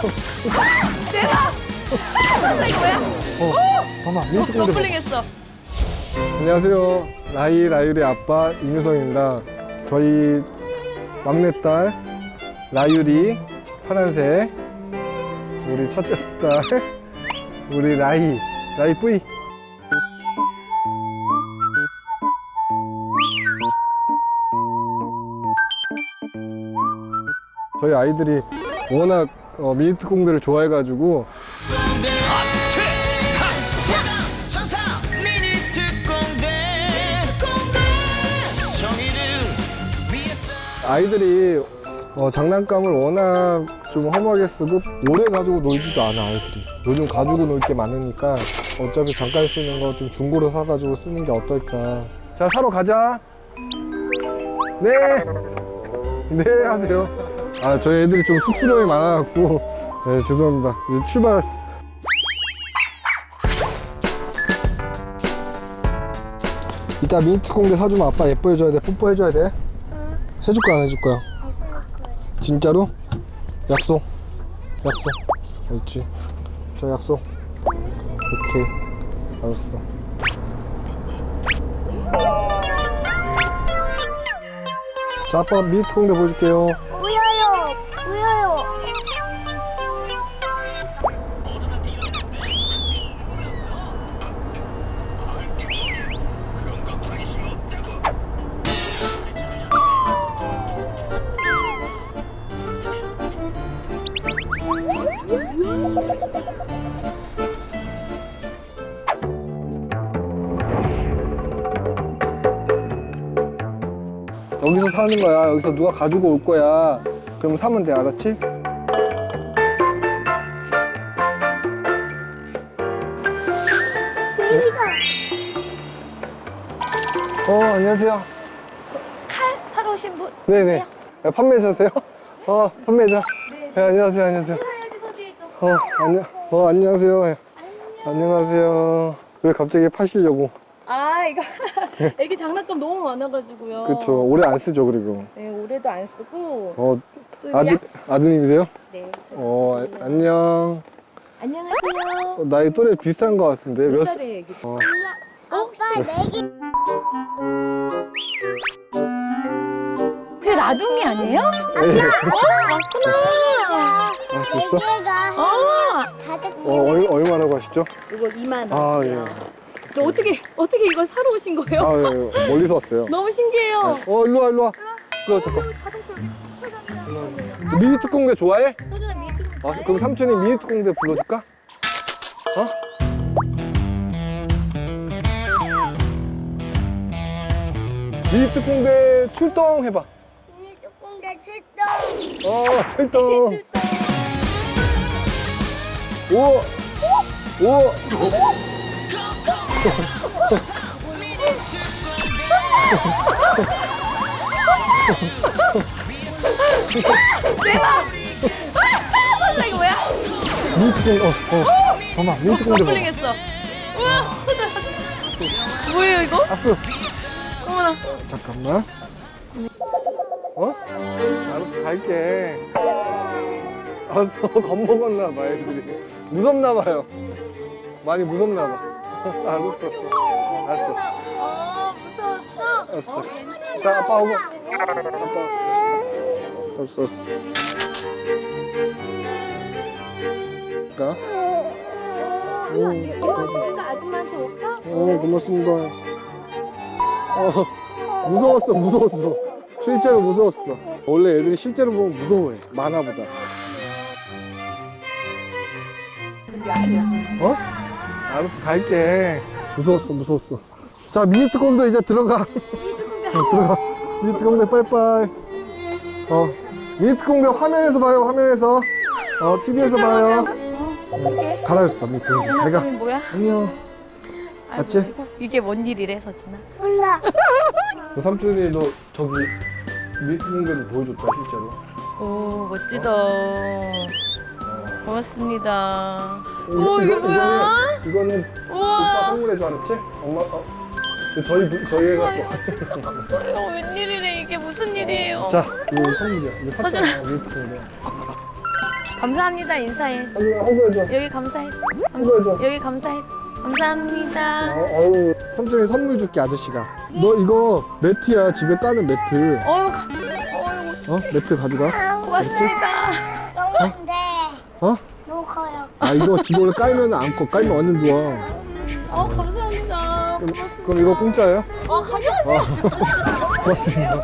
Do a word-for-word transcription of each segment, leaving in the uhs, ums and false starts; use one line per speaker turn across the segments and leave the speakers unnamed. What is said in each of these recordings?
대박! 이거 뭐야?
어, 잠깐만, 민트 공대 봐.
더블링했어.
안녕하세요. 라이 라유리 아빠 이무성입니다. 저희 막내딸 라유리 파란색, 우리 첫째 딸 우리 라이 라이 뿌이. 저희 아이들이 워낙 어, 미니트 공대를 좋아해가지고 아이들이 어, 장난감을 워낙 좀 험하게 쓰고 오래 가지고 놀지도 않아. 아이들이 요즘 가지고 놀 게 많으니까 어차피 잠깐 쓰는 거 좀 중고로 사가지고 쓰는 게 어떨까. 자, 사러 가자. 네. 네, 하세요. 아, 저희 애들이 좀 쑥스러움이 많아갖고 네, 죄송합니다. 이제 출발. 이따 미니트 공대 사주면 아빠 예뻐해줘야 돼. 뽀뽀해줘야 돼.
응.
해줄 거야, 안 해줄 거야?
해볼 거야.
진짜로? 약속. 약속. 그렇지. 저 약속. 오케이. 알았어. 자, 아빠가 미니트 공대 보여줄게요.
보여요. 보여요.
여기서 사는 거야. 여기서 누가 가지고 올 거야. 그럼 사면 돼, 알았지?
베이비가
어, 안녕하세요.
칼 사러 오신 분?
네네. 네, 판매자세요? 어, 판매자. 네, 안녕하세요, 안녕하세요. 어, 안녕, 어, 안녕하세요. 네. 안녕하세요. 왜 갑자기 파시려고?
아, 이거 애기 장난감 너무 많아가지고요.
그쵸. 오래 안 쓰죠, 그리고.
네, 올해도 안 쓰고.
어,
또
아들,
약-
아드님이세요?
네. 저희
어, 아, 안녕.
안녕하세요.
어, 나이 또래 비슷한 것 같은데.
몇
몇 살?
살이에요, 애기?
어,
아빠 내기
그 라둥이 아니에요? 어, 맞구나.
아,
네
됐어?
개가
아,
다섯
어, 얼, 얼마라고 하시죠?
이거 이만 원.
아, 예.
저 어떻게 어떻게 이걸 사러 오신 거예요?
아, 예. 멀리서 왔어요.
너무 신기해요.
어, 일로 와, 일로 와. 일로 와, 잠깐. 미니트 공대 좋아해?
소주나 미트.
아, 그럼 삼촌이 미니트 공대 불러줄까? 어? 미니트 공대 출동 해봐.
미니 뚜껑대 출동.
어, 출동. 오! 오!
대박! 아, 이거 뭐야?
미니트 공대, 어, 어. 잠깐만, 미니트 공대 봐.
더블링했어. 우와, 뭐예요 이거?
악수.
어머나.
잠깐만. 어? 알았어, 갈게. 알았어, 겁먹었나 봐, 애들이. 무섭나 봐요. 많이 무섭나 봐. 알았어. 알았어.
어, 무서웠어.
알았어. 자, 아빠 오고. 아빠. 알았어, 알았어. 가.
이거 이거 아줌마한테 올까?
어, 고맙습니다. 어, 무서웠어, 무서웠어. 실제로 무서웠어. 원래 애들이 실제로 보면 무서워해. 만화보다. 어? 알았어, 갈게. 무서웠어, 무서웠어. 자, 미니트 공대 이제 들어가. 어, 들어가. 미니트 공대 빠이빠이. 어, 미니트 공대 화면에서 봐요, 화면에서. 어, 티비에서 봐요.
어떡해?
가라 그랬어, 미니트 공대. 잘 가.
장난감이 뭐야?
안녕.
아이고,
맞지?
이거- 이게 뭔 일이래 서준아?
몰라.
너 삼촌이 너 저기 미니트 공대를 보여줬다, 실제로.
오 멋지다. 고맙습니다.
이거,
오 이게
이거,
뭐야?
이거는, 이거는 오빠
우와.
선물해 줄 알았지? 엄마, 어. 근데 저희, 부- 저희 애가 또.
이거 웬일이래 이게 무슨 일이에요?
자, 이거 선물이야. 이거
서준아.
샀잖아, 미니트 공대.
감사합니다 인사해.
한번 해줘.
여기 감사해. 감,
이거 해줘.
여기 감사해. 감사합니다.
아유, 삼촌이 선물 줄게, 아저씨가. 너 이거 매트야, 집에 까는 매트.
어유 가. 어유
어? 매트 가져가.
고맙습니다.
너무 안 돼.
어?
너무 커요.
아, 이거 집에 깔면 안 커. 깔면 완전 좋아.
어 감사합니다.
그럼,
고맙습니다.
그럼 이거 공짜예요?
어 가격.
어. 고맙습니다.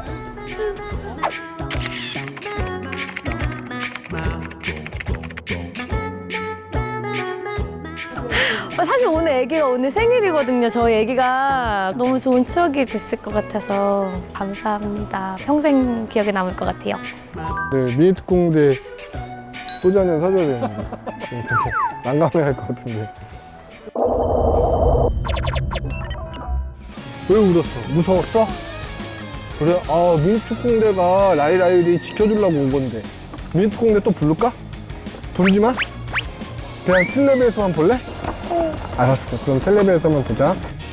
어, 사실 오늘 애기가 오늘 생일이거든요. 저희 애기가 너무 좋은 추억이 됐을 것 같아서 감사합니다. 평생 기억에 남을 것 같아요.
네, 미니특공대 소주 한 잔 사줘야 되는데. 좀 되게 난감해 할 것 같은데. 왜 울었어? 무서웠어? 그래? 아, 미니특공대가 라이라이리 지켜주려고 온 건데. 미니특공대 또 부를까? 부르지 마? 그냥 텔레비에서만 볼래? 알았어. 그럼 텔레비에서만 보자.